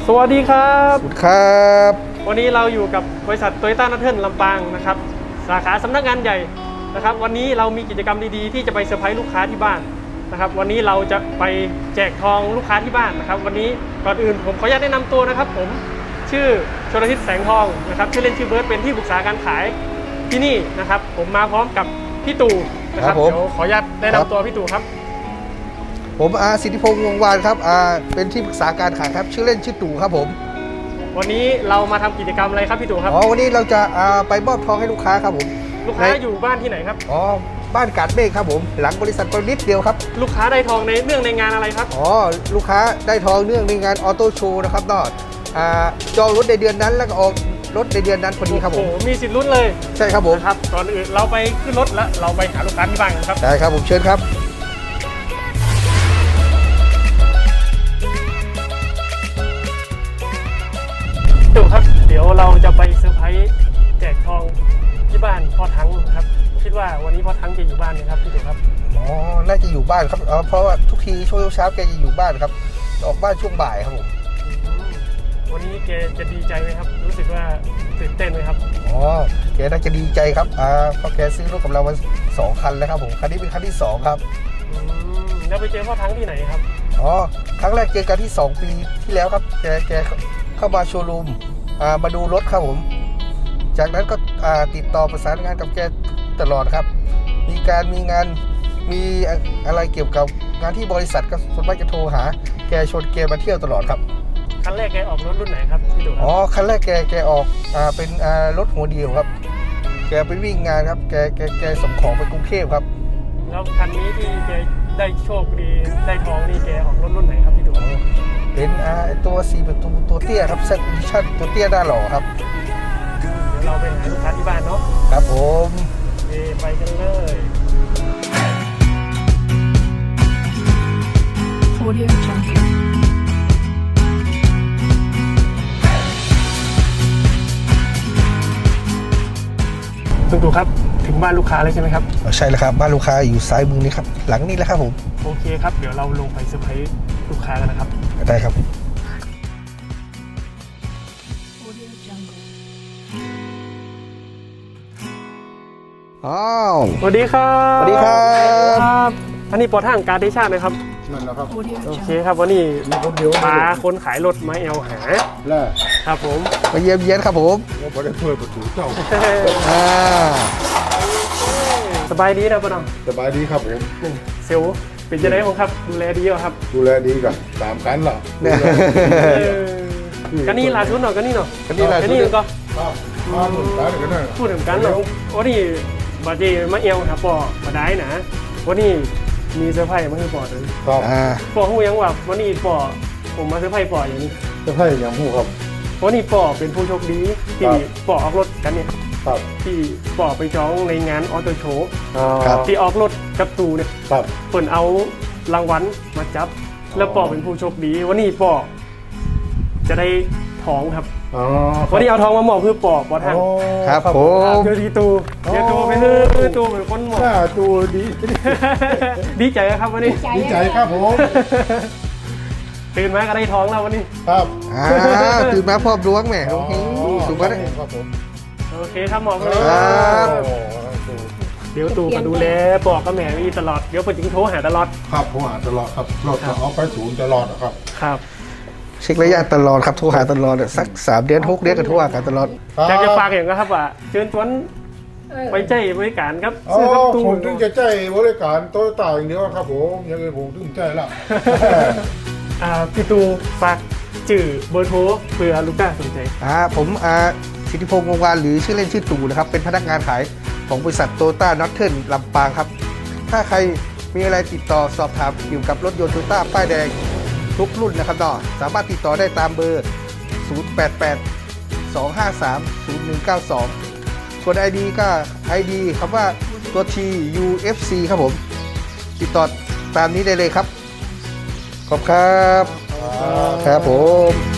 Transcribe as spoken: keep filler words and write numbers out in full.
สวัสดีครับครับวันนี้เราอยู่กับบริษัทโตโยต้านัทเทิลลำปางนะครับสาขาสำนักงานใหญ่นะครับวันนี้เรามีกิจกรรมดีๆที่จะไปเซอร์ไพรส์ลูกค้าที่บ้านนะครับวันนี้เราจะไปแจกทองลูกค้าที่บ้านนะครับวันนี้ก่อนอื่นผมขออนุญาตแนะนำตัวนะครับผมชื่อชลทิศแสงทองนะครับชื่อเล่นชื่อเบิร์ดเป็นที่ปรึกษาการขายที่นี่นะครับผมมาพร้อมกับพี่ตู่นะครับเดี๋ยวขออนุญาตแนะนำตัวพี่ตู่ครับผมอาสิทธิพงษ์วงวานครับอาเป็นที่ปรึกษาการขายครับชื่อเล่นชื่อตู่ครับผมวันนี้เรามาทำกิจกรรมอะไรครับพี่ตู่ครับอ๋อวันนี้เราจะอาไปมอบทองให้ลูกค้าครับผมลูกค้าอยู่บ้านที่ไหนครับอ๋อบ้านกาดเมฆครับผมหลังบริษัทประนิดเดียวครับลูกค้าได้ทองในเนื่องในงานอะไรครับอ๋อลูกค้าได้ทองเนื่องในงานออโต้โชว์นะครับนอดอ่าจองรถในเดือนนั้นแล้วก็ออกรถในเดือนนั้นพอดีครับผมโอ้มีสิทธิ์ลุ้นเลยใช่ครับผมครับก่อนอื่นเราไปขึ้นรถแล้วเราไปหาลูกค้าที่บ้านกันครับได้ครับผมเชิญครับตู่ครับเดี๋ยวเราจะไปเซอร์ไพรส์แจกทองที่บ้านพ่อทั้งครับคิดว่าวันนี้พ่อทั้งจะอยู่บ้านไหมครับพี่ตู่ครับอ๋อน่าจะอยู่บ้านครับเพราะว่าทุกทีช่วงเช้าแกจะอยู่บ้านครับออกบ้านช่วงบ่ายครับผมวันนี้แกจะดีใจไหมครับรู้สึกว่าตื่นเต้นไหมครับอ๋อแกน่าจะดีใจครับอ่าเพราะแกซื้อรถกับเรามาสองคันแล้วครับผมคันนี้เป็นคันที่สองครับอืมแล้วไปเจอพ่อทั้งที่ไหนครับอ๋อครั้งแรกเจอกันที่สองปีที่แล้วครับแกแกเข้ามาโชว์รูมอ่ามาดูรถครับผมจากนั้นก็อ่าติดต่อประสานงานกับแกตลอดครับมีการมีงานมีอะไรเกี่ยวกับงานที่บริษัทก็ส่วนมากจะโทรหาแกชวนแกมาเที่ยวตลอดครับคันแรกแกออกรถรุ่นไหนครับพี่ตู่อ๋อคันแรกแกแกออกอ่าเป็นอ่ารถหัวเดียวครับแกไปวิ่งงานครับแกแกแกส่งของไปกรุงเทพครับแล้วคันนี้ที่แกได้โชคดีได้ทองนี่แกออกรถรุ่นไหนครับพี่ตู่เป็นอ่าตัวสี่ประตูตัวเตี้ยครับเซตดิชั่นตัวเตี้ยหน้าหล่อครับเดี๋ยวเราไปหาลูกค้าที่บ้านเนาะครับผมไปกันเลย Audio Jungle ตู่ตู่ครับถึงบ้านลูกค้าเลยใช่ไหมครับใช่แล้วครับบ้านลูกค้าอยู่ซ้ายมือนี้ครับหลังนี้แล้วครับผมโอเคครับเดี๋ยวเราลงไปเซอร์ไพรส์ลูกค้ากันนะครับได้ครับอ้าวสวัสดีครับสวัสดีครับอันนี้ปอทางการดิชาตินะครับนั่นแหละครับโอเคครับวันนี้มาคนขายรถมาเอลหาแล้วครับผมมาเยี่ยมเยียนครับผมว่าพอได้เปิดประตูเจ้าอ่าสบายดีนะป้าน้องสบายดีครับผมเซลเป็นยังไงบ้างครับดูแลดีเหรอครับดูแลดีกับตามกันเหรอกันนี่ลาชุดหน่อยกันนี่หน่อยกันนี่ลาชุดก็มาเหมือนกันกันนะพูดถึงกันเนาะวันนี้บาเจมาเอลครับปอมาได้นะวันนี้มีเซอร์ไพรส์มาให้ปอเลยปอหูยังว่าวันนี้ปอผมมาเซอร์ไพรส์ปออย่างนี้เซอร์ไพรส์อย่างหูครับวันนี้ปอเป็นผู้โชคดีที่ปอออกรถกันเนี่ยที่ปอไปจองในงานออโต้โชว์ที่ออกรถกับตูเนี่ยเปิดเอารางวัลมาจับแล้วปอเป็นผู้โชคดีวันนี้ปอจะได้ทองครับวันนี้เอาทองมาหมอบคือปอปอทางครับผมเจอดีตูเจอตูไปคือตูเป็นคนหมอบตูดีดีใจครับวันนี้ดีใจครับผมตื่นมาก็ได้ทองแล้ววันนี้ครับตื่นมาพร้อมล้วงแหมโอเคถูกไหมครับผมโอเคครับหมอบเลยเดี๋ยวตู่มาดูแลปอกกับแม่มีตลอดเดี๋ยวเปิดจิงโทรหาตลอดครับผมหาตลอดครับรถเอาไปศูนย์ตลอดครับครับเช็คระยะตลอดครับโทรหาตลอดสักสามเดือนหกเดือนก็โทรหากันตลอดอยากจะฝากอย่างก็ครับว่าเชิญชวนไปใจบริการครับซื้อครับตู้ผมถึงจะใจบริการโตโยต้าอย่างเดียวครับผมยังไงผมถึงใจละพี่ตูฝากจื่อเบอร์โทรเผื่อลูกค้าสนใจอ่าผมอ่าสิทธิพงษ์วงวานหรือชื่อเล่นชื่อตู่นะครับเป็นพนักงานขายของบริษัทโตโยต้าน็อตเทิลลำปางครับถ้าใครมีอะไรติดต่อสอบถามเกี่ยวกับรถยนต์โตโยต้าป้ายแดงทุกรุ่นนะครับต่อสามารถติดต่อได้ตามเบอร์ศูนย์ แปด แปด สอง ห้า สาม ศูนย์ หนึ่ง เก้า สองกด ไอ ดี ก็ ไอ ดี คำว่าตัว T U F C ครับผมติดต่อตามนี้ได้เลยครับขอบครับครับผม